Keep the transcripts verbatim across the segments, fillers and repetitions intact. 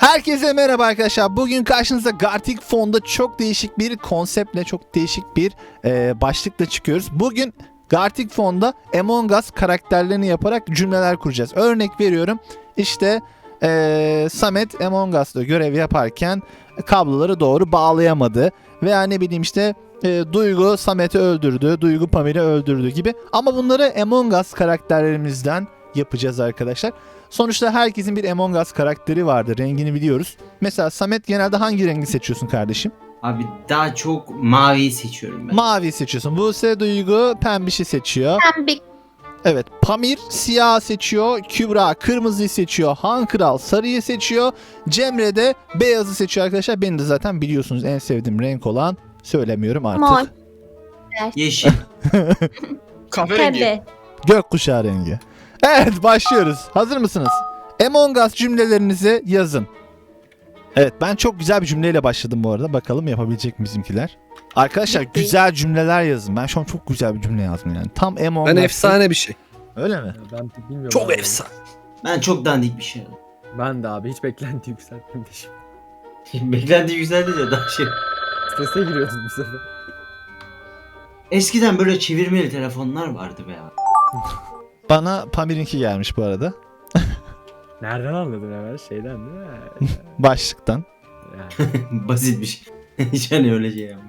Herkese merhaba arkadaşlar. Bugün karşınızda Gartic Phone'da çok değişik bir konseptle, çok değişik bir e, başlıkla çıkıyoruz. Bugün Gartic Phone'da Among Us karakterlerini yaparak cümleler kuracağız. Örnek veriyorum. İşte e, Samet Among Us'ta görev yaparken kabloları doğru bağlayamadı. Veya ne bileyim işte e, Duygu Samet'i öldürdü, Duygu Pamir'i öldürdü gibi. Ama bunları Among Us karakterlerimizden yapacağız arkadaşlar. Sonuçta herkesin bir Among Us karakteri vardır. Rengini biliyoruz. Mesela Samet genelde hangi rengi seçiyorsun kardeşim? Abi daha çok maviyi seçiyorum ben. Mavi seçiyorsun. Buse Duygu pembişi seçiyor. Pembe. Evet. Pamir siyah seçiyor. Kübra kırmızıyı seçiyor. Han Kral sarıyı seçiyor. Cemre de beyazı seçiyor arkadaşlar. Beni de zaten biliyorsunuz en sevdiğim renk olan, söylemiyorum artık. Mor. Yeşil. Kahverengi. Pembe. Gökkuşağı rengi. Evet, başlıyoruz. Hazır mısınız? Among Us cümlelerinizi yazın. Evet, ben çok güzel bir cümleyle başladım bu arada. Bakalım yapabilecek mi bizimkiler? Arkadaşlar güzel cümleler yazın. Ben şu an çok güzel bir cümle yazdım yani. Tam Among Ben Us'ın- efsane bir şey. Öyle mi? Ya ben bilmiyorum. Çok abi. efsane. Ben çok dandik bir şey aldım. Ben de abi hiç beklenti yükseltmemişim. Beklenti yükseldi de daha şey. Strese giriyoruz bu sefer. Eskiden böyle çevirmeli telefonlar vardı be ya. Bana Pamir'inki gelmiş bu arada. Nereden anladın hemen? Şeyden değil mi? Başlıktan. Yani. Basit bir şey. Hiç hani öyle şey yapma.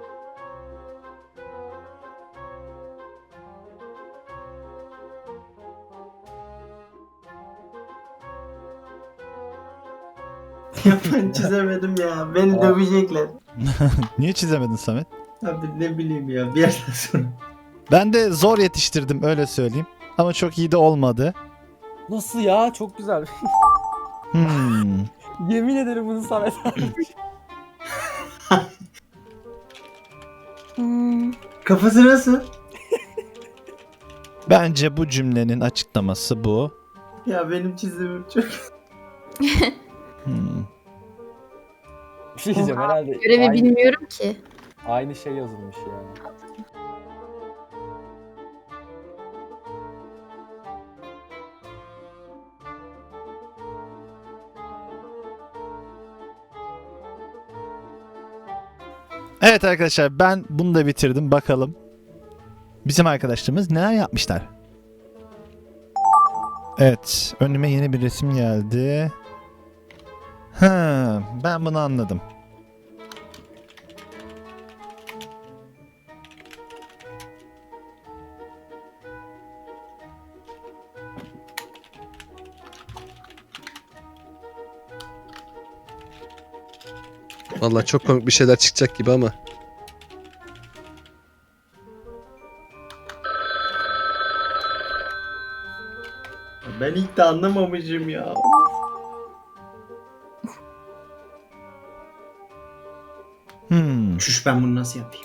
Ya ben çizemedim ya. Beni dövecekler. Niye çizemedin Samet? Abi ne bileyim ya. Bir yerden sonra. Ben de zor yetiştirdim, öyle söyleyeyim. Ama çok iyi de olmadı. Nasıl ya? Çok güzel. Hmm. Yemin ederim bunu Samet abi. Hmm. Kafası nasıl? Bence bu cümlenin açıklaması bu. Ya benim çizimim çok... Hmm. Bir şey diyeceğim herhalde. Görevi aynı, bilmiyorum ki. aynı şey yazılmış ya. Evet arkadaşlar, ben bunu da bitirdim. Bakalım bizim arkadaşlarımız neler yapmışlar. Evet, önüme yeni bir resim geldi. Ha, ben bunu anladım. Vallahi çok komik bir şeyler çıkacak gibi ama. Ben ilk de anlamamışım ya. Hmm. Şuş, ben bunu nasıl yapayım?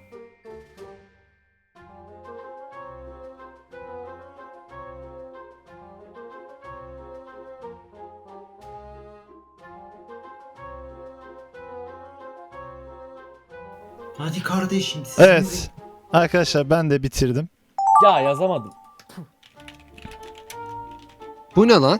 Hadi kardeşim. siz Evet arkadaşlar, ben de bitirdim. Ya yazamadım. Bu ne lan?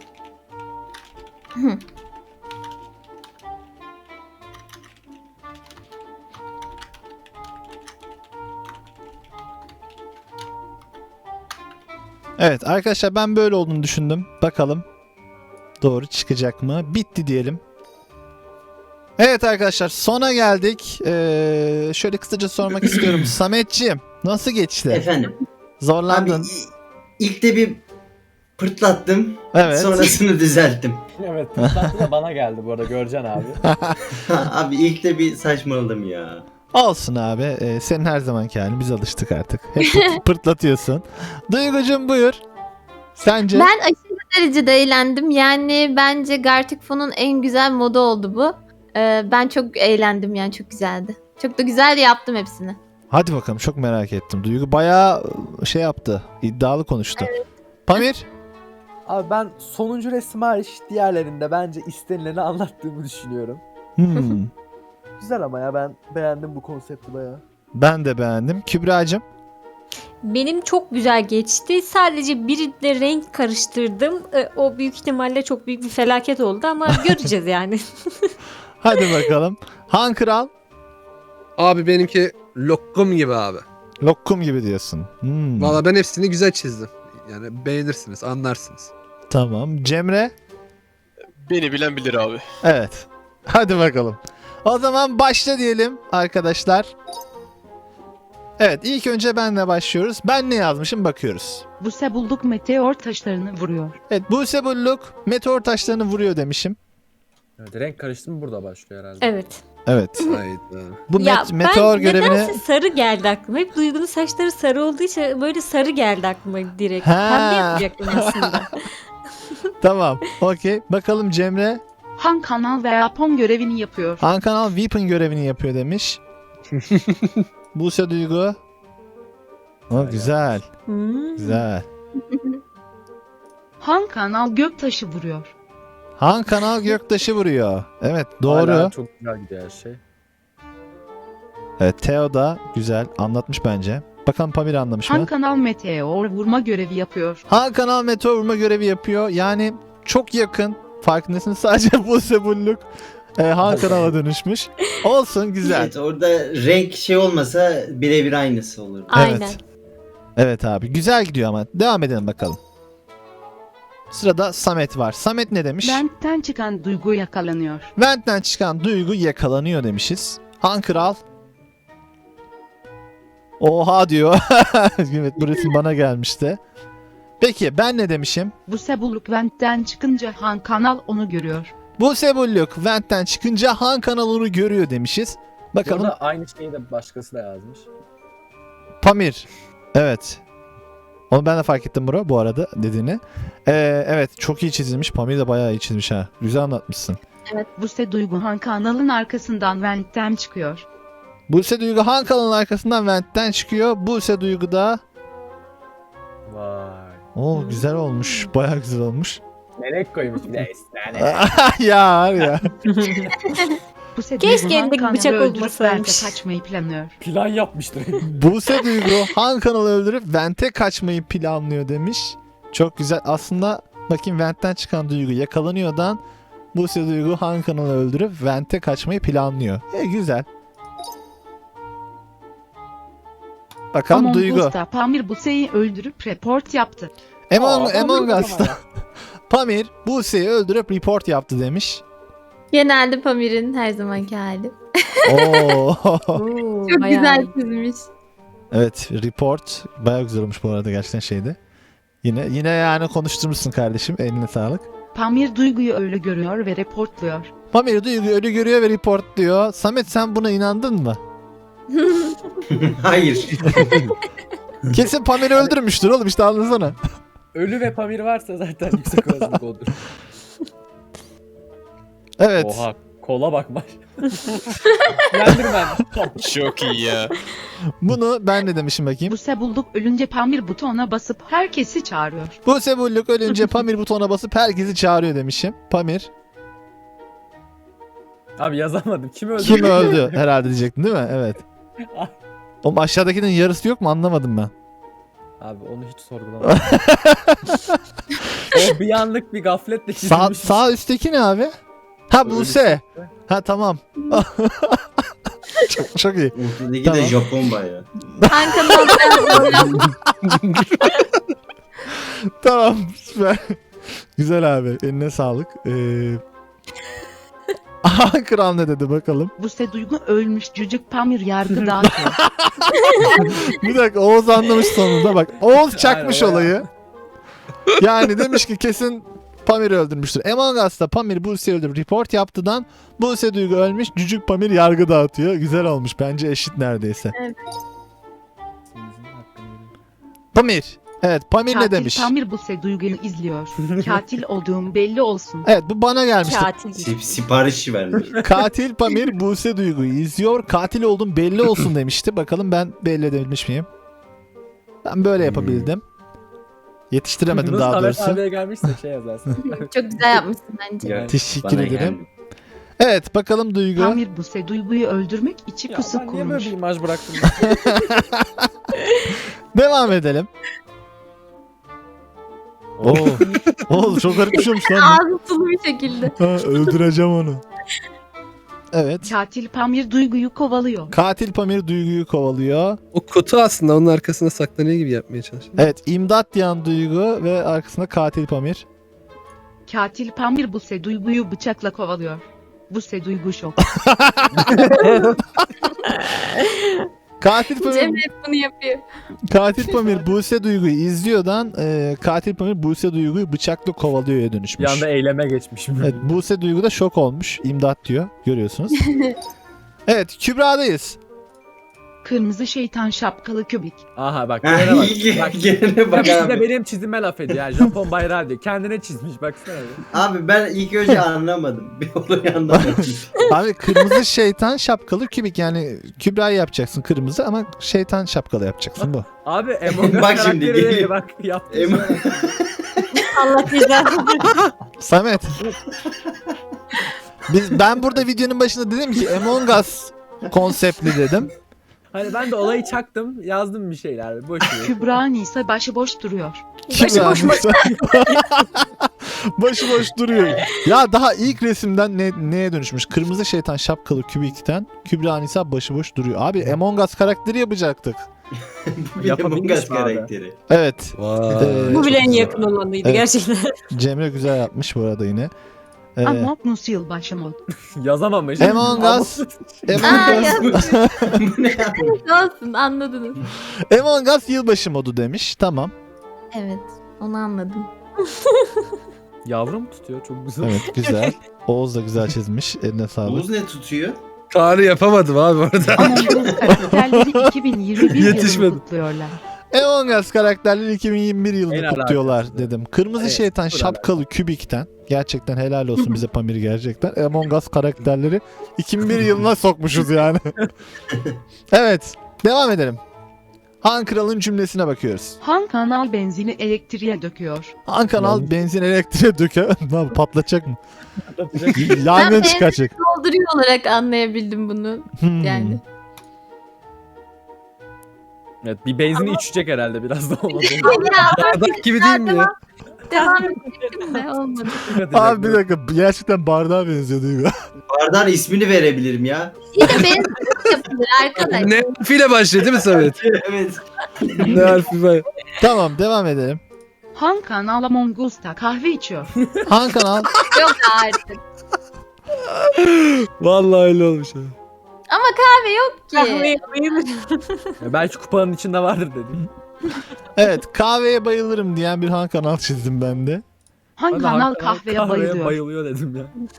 Evet arkadaşlar, ben böyle olduğunu düşündüm. Bakalım doğru çıkacak mı? Bitti diyelim. Evet arkadaşlar, sona geldik. Ee, şöyle kısaca sormak istiyorum. Sametciğim, nasıl geçti? Efendim. Abi Zorlandın. i- ilk de bir pırtlattım. Evet. Sonrasını düzelttim. Evet, pırtlantı da bana geldi bu arada, göreceksin abi. Abi ilk de bir saçmaladım ya. Olsun abi. Ee, senin her zamanki halin. Biz alıştık artık. Hep pırt- pırtlatıyorsun. Duygucuğum buyur. Sence? Ben aşırı derecede eğlendim. Yani bence Gartic Phone'un en güzel modu oldu bu. Ee, ben çok eğlendim yani, çok güzeldi. Çok da güzel yaptım hepsini. Hadi bakalım, çok merak ettim. Duygu bayağı şey yaptı. İddialı konuştu. Pamir? Abi ben sonuncu resim hariç diğerlerinde bence istenileni anlattığımı düşünüyorum. Hmm. Güzel ama ya, ben beğendim bu konsepti bayağı. Ben de beğendim. Kübra'cığım? Benim çok güzel geçti. Sadece biriyle renk karıştırdım. E, O büyük ihtimalle çok büyük bir felaket oldu ama göreceğiz yani. Hadi bakalım. Han Kral Abi benimki lokum gibi abi. lokum gibi diyorsun. Hmm, Valla ben hepsini güzel çizdim. Yani beğenirsiniz, anlarsınız. tamam. Cemre? Beni bilen bilir abi. Evet. Hadi bakalım. O zaman başla diyelim arkadaşlar. Evet, ilk önce benle başlıyoruz. Ben ne yazmışım bakıyoruz. Buse bulduk meteor taşlarını vuruyor. Evet, Buse Bulluk meteor taşlarını vuruyor demişim. Evet, renk karıştırma burada başlıyor herhalde. Evet. Evet. Hayda. Bu ya met- meteor ben görevini... nedense sarı geldi aklıma. Hep Duygu'nun saçları sarı olduğu için böyle sarı geldi aklıma direkt. Ha. Pembe yapacaktım aslında. Tamam, okey. Bakalım Cemre. Han kanal ve Japon görevini yapıyor. Han Kanal Weapon görevini yapıyor demiş. Buse Duygu. O güzel, Hmm. güzel. Han kanal göktaşı vuruyor. Han Kanal Göktaşı vuruyor. Evet, doğru. Hala çok güzel gidiyor her şey. Evet, Theo da güzel anlatmış bence. Bakalım Pamir anlamış Han mı? kanal meteor vurma görevi yapıyor. Han Kanal meteor vurma görevi yapıyor. Yani çok yakın. Farkındasınız, sadece Buse Bulluk e, Han Kanal'a dönüşmüş. Olsun, güzel. Evet, orada renk şey olmasa birebir aynısı olurdu. Aynen. Evet. Evet abi, güzel gidiyor ama. Devam edelim bakalım. Sırada Samet var. Samet ne demiş? Ventten çıkan duygu yakalanıyor. Vent'ten çıkan duygu yakalanıyor demişiz. Han Kral. Oha diyor. Evet, bu resim bana gelmişti. Peki ben ne demişim? Buse bulduk ventten çıkınca Han kanal onu görüyor. Buse Bulluk Vent'ten çıkınca Han kanalını görüyor demişiz. Bakalım Burada aynı şeyi de başkası da yazmış. Pamir. Evet. Onu ben de fark ettim bro bu arada dediğini. Ee, evet, çok iyi çizilmiş. Pamir de bayağı iyi çizmiş ha. Güzel anlatmışsın. Buse duygu Han kanalın arkasından ventten çıkıyor. Buse Duygu Han kanalının arkasından Vent'ten çıkıyor. Buse Duygu da... Vay. Oo, güzel olmuş. Bayağı güzel olmuş. Melek koymuş bir de esnane. ya var ya. Buse Keşke duygu Han elindeki kanalı bıçak öldürüp olmasaymış. Vent'e kaçmayı planlıyor. Plan yapmıştır. Buse Duygu Han kanalı öldürüp Vent'e kaçmayı planlıyor demiş. Çok güzel. Aslında bakayım, Vent'ten çıkan Duygu yakalanıyordan Buse Duygu Han kanalı öldürüp Vent'e kaçmayı planlıyor. E, güzel. Bakalım Among Duygu. Us'ta Pamir Buse'yi öldürüp report yaptı. Among, Aa, Among Pamir Us'ta Pamir Buse'yi öldürüp report yaptı demiş. Genelde Pamir'in her zamanki hali. Oo. Oo, Çok bayağı güzel iyi. Evet, çizmiş. report bayağı güzel olmuş bu arada gerçekten şeyde. Yine yine yani konuşturmuşsun kardeşim. Eline sağlık. Pamir duyguyu öyle görüyor ve reportluyor. Pamir Duygu ölü görüyor ve report diyor. Samet, sen buna inandın mı? Hayır. Kesin Pamir'i öldürmüştür oğlum, işte anlasana. Ölü ve Pamir varsa zaten yüksek olasılık olur. Evet. Oha, kola bakma. Yendirmen. Çok iyi ya. Bunu ben de demişim bakayım. Buse bulduk ölünce Pamir butona basıp herkesi çağırıyor. Buse Bulluk ölünce Pamir butona basıp herkesi çağırıyor demişim. Pamir. Abi yazamadım. Kim öldü? Kim öldü herhalde diyecektin değil mi? Evet. Oğlum aşağıdakinin yarısı yok mu, anlamadım ben. Abi onu hiç sorgulamadım. O bir anlık bir gafletle Sağ, çizilmiş. sağ üstteki ne abi? Ha, Öyle Buse. Ha, tamam. çok, çok iyi. Ortadaki Tamam. de Japon bayağı. Han kanalda Tamam, süper. Güzel abi, eline sağlık. Ee... Aha, Kral ne dedi bakalım. Buse duygu ölmüş cücük Pamir yargı dağıtıyor. Bir dakika, Oğuz anlamış sonunda bak. Oğuz çakmış Aynen, olayı. Yani demiş ki kesin Pamir'i öldürmüştür. Among Us'ta Pamir Buse'yi öldürüp report yaptıdan Buse Duygu ölmüş, cücük Pamir yargı dağıtıyor. Güzel olmuş bence, eşit neredeyse. Pamir. Evet, Pamir ne Katil demiş? Pamir Buse duyguyu izliyor. Katil olduğum belli olsun. Evet, bu bana gelmişti. Katil. Sip sipariş vermiş. Katil Pamir Buse Duygu'yu izliyor. Katil oldum belli olsun demişti. Bakalım ben belli edebilmiş miyim? Ben böyle yapabildim. Yetiştiremedim Bunu daha Samet doğrusu. abiye gelmişse şey yazarsın. çok güzel yapmışsın bence. Ya, Teşekkür bana ederim. geldi. Evet, bakalım Duygu. Pamir Buse duyguyu öldürmek içi Ya pusu ben niye böyle kurmuş. bir imaj bıraktım? Devam edelim. Oo. Oğlum çok garip bir şeymiş lan. Ağzı sulu bir şekilde. Ha, öldüreceğim onu. Evet. Katil Pamir Duygu'yu kovalıyor. Katil Pamir Duygu'yu kovalıyor. O kutu aslında onun arkasında saklanıyor gibi yapmaya çalışıyor. Evet, imdat diyen Duygu ve arkasında Katil Pamir. Katil Pamir Buse Duygu'yu bıçakla kovalıyor. Buse Duygu şok. Katil Pamir, Cem hep bunu yapıyor. Katil Pamir Buse Duygu'yu izliyordan e, Katil Pamir Buse Duygu'yu bıçakla kovalıyor'ya Bir dönüşmüş. anda eyleme geçmişim. Evet, Buse Duygu da şok olmuş. İmdat diyor. Görüyorsunuz. Evet, Kübra'dayız. Kırmızı şeytan şapkalı kübik. Aha bak. Ha, Gelene bak. iyi, bak. gelene bak Ya bir de abi. benim çizime laf ediyor. Yani Japon bayrağı diyor. Kendine çizmiş baksana. bir. Abi ben ilk önce anlamadım. Bir olayı anlamadım. Abi kırmızı şeytan şapkalı kübik, yani Kübra'yı yapacaksın kırmızı ama şeytan şapkalı yapacaksın bu. Abi Among Us Bak şimdi, karakteri geliyor. bak yaptı. Em- Allah cezanı. Samet. Biz, ben burada videonun başında dedim ki Among Us konseptli dedim. Hani ben de olayı çaktım. Yazdım bir şeyler. Boş ver. Kübra Nisa başıboş duruyor. Kübra başıboş duruyor. Ya daha ilk resimden ne, neye dönüşmüş? Kırmızı şeytan şapkalı kübikten Kübra Nisa başıboş duruyor. Abi Among Us karakteri yapacaktık. Bir Among Yapabilmiş Us mi abi? karakteri. Evet. Vay. Ee, Bu bile en çok yakın olanıydı Evet. gerçekten. Cemre güzel yapmış bu arada yine. Ee, Among Us yılbaşı mod. Yazamamış. Among Us. Aa, Among Us, Bu ne abi? Olsun anladınız. Among Us yılbaşı modu demiş. Tamam. Evet onu anladım. Yavrum tutuyor. Çok güzel. Evet güzel. Oğuz da güzel çizmiş. Eline sağlık. Oğuz ne tutuyor? Tarih yapamadım abi orada. Among Us karakterleri iki bin yirmi bir Yetişmedim. yılını kutluyorlar. Among Us karakterleri iki bin yirmi bir yılını En kutluyorlar alakası. dedim. Kırmızı Evet, şeytan full şapkalı kübikten. Gerçekten helal olsun bize Pamir gerçekten. Among Us karakterleri iki bin bir yılına sokmuşuz yani. Evet. Devam edelim. Han Kral'ın cümlesine bakıyoruz. Han kanal benzini elektriğe döküyor. Han Kanal benzin elektriğe döker. Ne yapıyor, patlatacak mı? Ben Yangın benzin çıkaracak. Dolduruyor olarak anlayabildim bunu. Hmm. Yani. Evet bir benzin içecek herhalde biraz da olmadı. Bardak gibi değil mi ya? Devam edelim de olmadı. Abi bir dakika, gerçekten bardağa benziyor değil mi? Bardağın ismini verebilirim ya. Yine benzin yapılır arkadaş. Ne harfiyle başlıyor değil mi Samet? Evet. Ne harfi var? Tamam, devam edelim. Han kanal Among Us'ta kahve içiyor. Han Kanal Yok artık. Vallahi öyle olmuş abi. Ama kahve yok ki. Kahveye bayılırım. Ya belki kupanın içinde vardır dedim. evet, kahveye bayılırım diyen bir Han Kanal çizdim ben de. Han Ben de kanal hakikaten kahveye bayılıyor. bayılıyor dedim ya.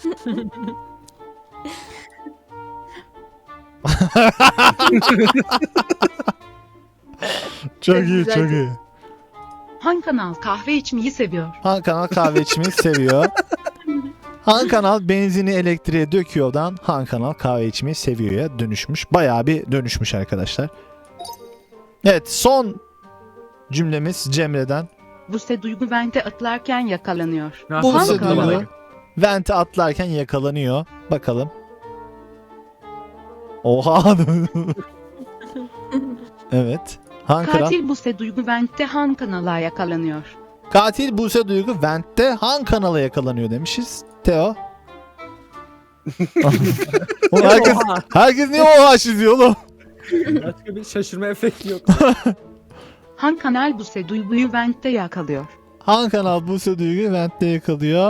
Çok Çok iyi, güzel. çok iyi. Han kanal kahve içmeyi seviyor. Han Kanal kahve içmeyi seviyor. Han Kanal benzini elektriğe döküyordan Han Kanal kahve içmeyi seviyor'ya dönüşmüş. Bayağı bir dönüşmüş arkadaşlar. Evet, son cümlemiz Cemre'den. Buse Duygu vente atlarken yakalanıyor. Ha, Bu Han Buse kanal. Duygu vente atlarken yakalanıyor. Bakalım. Oha. Evet. Han Kanal. Katil Buse Duygu vente Han kanala yakalanıyor. Katil Buse Duygu Vent'te Han Kanal'a yakalanıyor demişiz. Teo. Oğlum herkes, Oha! herkes niye oha çiziyor oğlum? Başka bir şaşırma efekti yok. Han kanal Buse Duygu'yu vente yakalıyor. Han Kanal Buse Duygu Vent'te yakalıyor.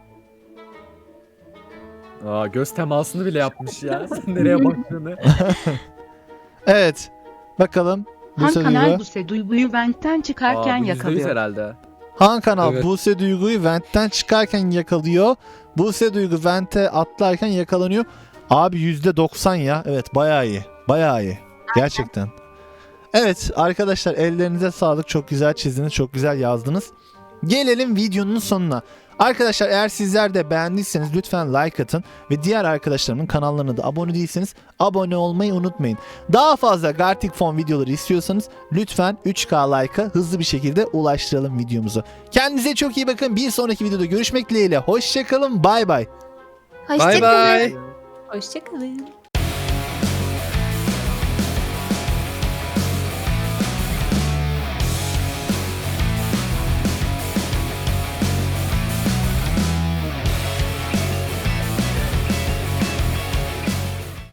Aa, göz temasını bile yapmış ya. Sen nereye baktığını. Evet. Bakalım. Han Buse kanal Duygu. Buse Duygu'yu ventten çıkarken Aa, bu yüzde yüz yakalıyor. herhalde. Han Kanal Evet. Buse Duygu'yu Vent'ten çıkarken yakalıyor. Buse Duygu Vent'e atlarken yakalanıyor. Abi yüzde doksan ya. Evet, bayağı iyi. Bayağı iyi. Gerçekten. Evet arkadaşlar, ellerinize sağlık. Çok güzel çizdiniz. Çok güzel yazdınız. Gelelim videonun sonuna. Arkadaşlar eğer sizler de beğendiyseniz lütfen like atın ve diğer arkadaşlarımın kanallarına da abone değilseniz abone olmayı unutmayın. Daha fazla Gartic Phone videoları istiyorsanız lütfen üç K like'a hızlı bir şekilde ulaştıralım videomuzu. Kendinize çok iyi bakın. Bir sonraki videoda görüşmek dileğiyle. Hoşçakalın. Bay bay. Bay Hoşçakalın. bay. Hoşçakalın.